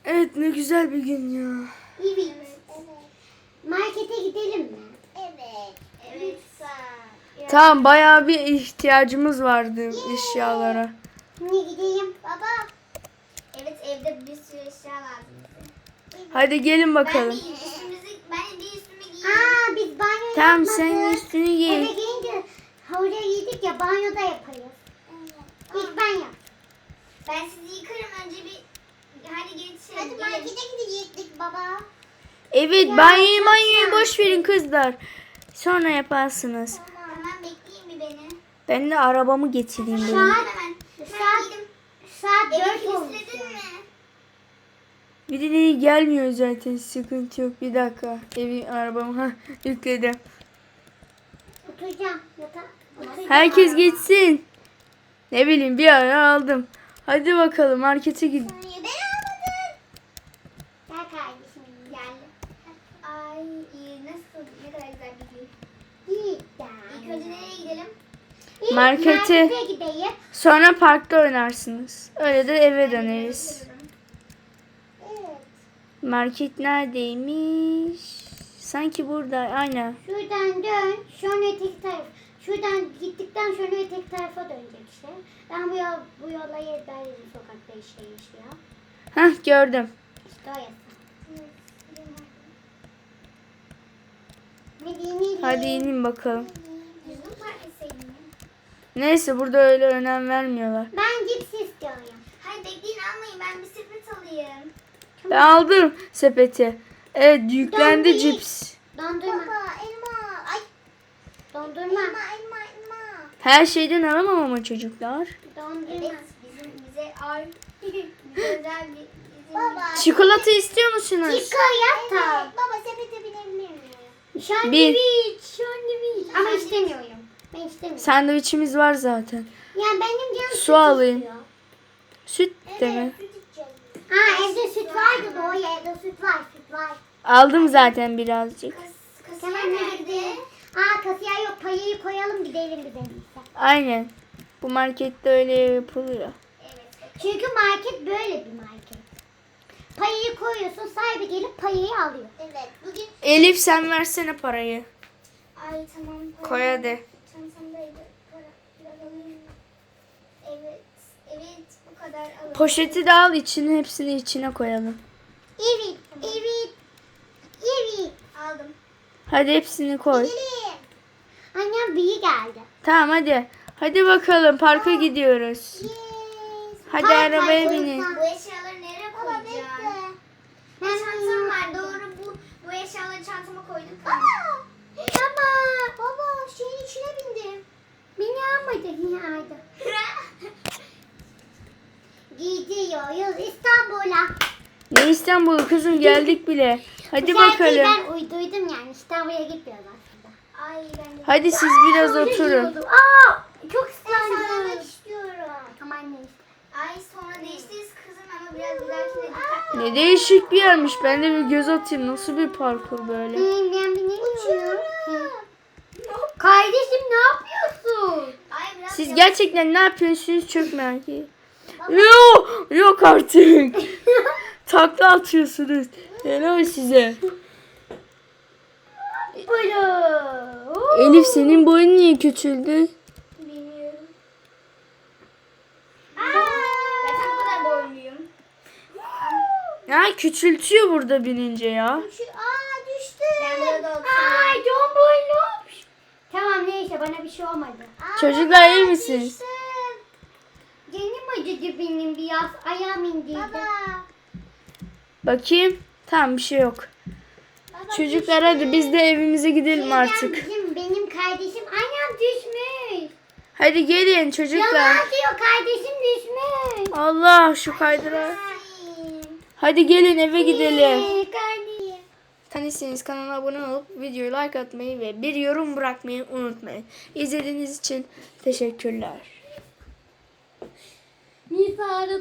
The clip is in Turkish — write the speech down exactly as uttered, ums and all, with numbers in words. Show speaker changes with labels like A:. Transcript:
A: Evet, ne güzel bir gün ya.
B: Evet. Markete gidelim mi?
C: Evet. Evet.
A: Tamam, bayağı bir ihtiyacımız vardı eşyalara.
B: Ne gideyim?
C: Baba. Evet, evde bir sürü eşya lazım bize.
A: Hadi gelin
C: Ben
A: bakalım.
C: bir üstümüzü, ben bir üstümü giyeyim.
B: Aa, biz banyo
A: Tamam,
B: yapmadık.
A: sen üstünü giy.
B: Eve gelince havluya giydik ya, banyoda yaparız. İlk ben yap.
C: Ben sizi yıkarım önce bir. Hadi geçin.
B: Hadi
C: gelin.
B: markete gidecektik baba.
A: Evet,
B: Ya,
A: banyoyu
B: çok
A: banyoyu
B: güzel.
A: boş verin kızlar. Sonra yaparsınız.
C: Tamam, bekleyin bir beni.
A: Ben de arabamı getireyim
B: Şu
A: böyle.
B: an
C: Hemen.
B: saat,
C: Ben giydim.
B: saat
C: Evi
B: dört olmuş.
C: kilitledin mi?
A: Birileri gelmiyor zaten, sıkıntı yok. Bir dakika, evi arabamı ha yükledim.
B: Oturacağım yatağa. Oturacağım.
A: Herkes gitsin. Ne bileyim, bir ara aldım. Hadi bakalım, markete gidin.
C: Ben almadım.
B: Gel kardeşim, gel.
C: Ay iyi, nasıl? Ne kadar güzel bir gün.
B: Git
C: İlk önce nereye gidelim?
B: İlk
A: Markete.
B: markete gideyim.
A: Sonra parkta oynarsınız. Öyle de eve döneriz.
B: Evet.
A: Market neredeymiş? Sanki burada. Aynen.
B: Şuradan dön, sonra öteki taraf. Şuradan gittikten sonra öteki tarafa dönecek işte. Ben bu yol, bu yola yedayım sokakta işte yaşıyor.
A: Hah, gördüm.
B: İşte o yasa. Ne diyeyim, ne diyeyim?
A: Hadi inin bakalım.
C: Yüzüm parkeseydim.
A: Neyse, burada öyle önem vermiyorlar.
B: Ben cips istiyorum.
C: Hayır, bekleyin, almayın, ben bir sepet alayım.
A: Ben aldım sepeti. Evet, yüklendi
B: Dondurma.
A: cips.
B: Dondurma.
C: elma. Ay,
B: Dondurma.
C: elma, elma, elma.
A: Her şeyden alamam ama çocuklar.
B: Dondurma.
C: Evet, bizim bize ay. bize özel bir bizim Baba.
A: Çikolata istiyor musunuz?
B: Çikolata.
C: Baba, sepete binebilir miyim?
B: Sandviç. Sandviç. Ama istemiyorum. Ben istemiyorum.
A: Sandviçimiz var zaten.
B: Ya benim canım
A: Su
B: süt
A: alayım.
B: istiyor.
A: Süt de mi?
C: Süt içeceğiz.
B: Ha, evde süt vardı da o evde süt var, süt var.
A: Aldım zaten birazcık.
C: Kas, kasiyer
B: Tamam,
C: nerede?
B: nerede? Aa, kasiyer yok, payayı koyalım gidelim biz en iyisi.
A: Aynen. Bu markette öyle yapılıyor.
C: Evet.
B: Çünkü market böyle bir market. Payayı koyuyorsun, sahibi gelip payayı alıyor.
C: Evet. Bugün
A: Elif, sen versene parayı.
C: ay tamam. para-
A: Koy hadi.
C: Çantamdaydı. Para biraz alayım. Evet. Evet, bu kadar alalım.
A: Poşeti de al, içine hepsini içine koyalım.
B: Evet, evet, evet.
C: Aldım.
A: Hadi hepsini koy.
C: Gelin.
B: Annem büyü geldi.
A: Tamam, hadi. Hadi bakalım, parka gidiyoruz.
C: Yes.
A: Hadi
B: Park
A: arabaya
B: park
A: binin.
C: Bu eşyaları nereye koyacağım?
B: Ben
C: Çantam var, doğru, bu bu eşyaları çantama koyduk.
B: Baba, baba şeyin içine bindim. Beni almadı, yine aldı. Gidiyoruz İstanbul'a.
A: Ne İstanbul kızım, geldik bile. Hadi
B: Bu şarkıyı
A: bakalım.
B: ben uyduydum yani, İstanbul'a gitmiyoruz aslında.
C: Ay ben de.
A: Hadi siz biraz
B: Öyle
A: oturun.
B: yiyordum. Aa, çok
C: Sallamak
B: ıslandım.
C: istiyorum.
B: Tamam neyse.
C: Ay sonra değiştiririz kızım ama biraz bir dahakine dikkatli ol.
A: Ne değişik bir yermiş. Ben de bir göz atayım. Nasıl bir parkur böyle?
B: Hmm, ben bilmiyorum. Kardeşim ne yapıyorsun?
C: Ay biraz
A: Siz
C: yavaş-
A: gerçekten ne yapıyorsunuz, çok merak ediyorum. Yok, yok artık. Takla atıyorsunuz. Helal size.
B: Böyle.
A: Elif, senin boyun niye küçüldü?
C: Bilmiyorum. Ben tam bu kadar boyluyum.
A: Ya küçültüyor burada binince ya.
C: Şu, aa düştü. Ben burada oturuyorum.
B: Ay John boylu. Tamam neyse, bana bir şey olmadı.
A: Çocuklar, iyi misiniz?
B: Canım acıdı benim biraz. Ayağım indiydi.
C: Baba.
A: Bakayım. Tamam, bir şey yok.
C: Baba
A: Çocuklar, hadi biz de evimize gidelim
B: Şeyden
A: artık.
B: Bizim, benim kardeşim ayağım düşmüş.
A: Hadi gelin çocuklar.
B: Yalan diyor, kardeşim düşmüş.
A: Allah, şu kaydıra.
C: Ay.
A: Hadi gelin eve gidelim.
B: Ee, kardeşim.
A: Tanışsanız kanala abone olup videoyu like atmayı ve bir yorum bırakmayı unutmayın. İzlediğiniz için teşekkürler.
B: Nisa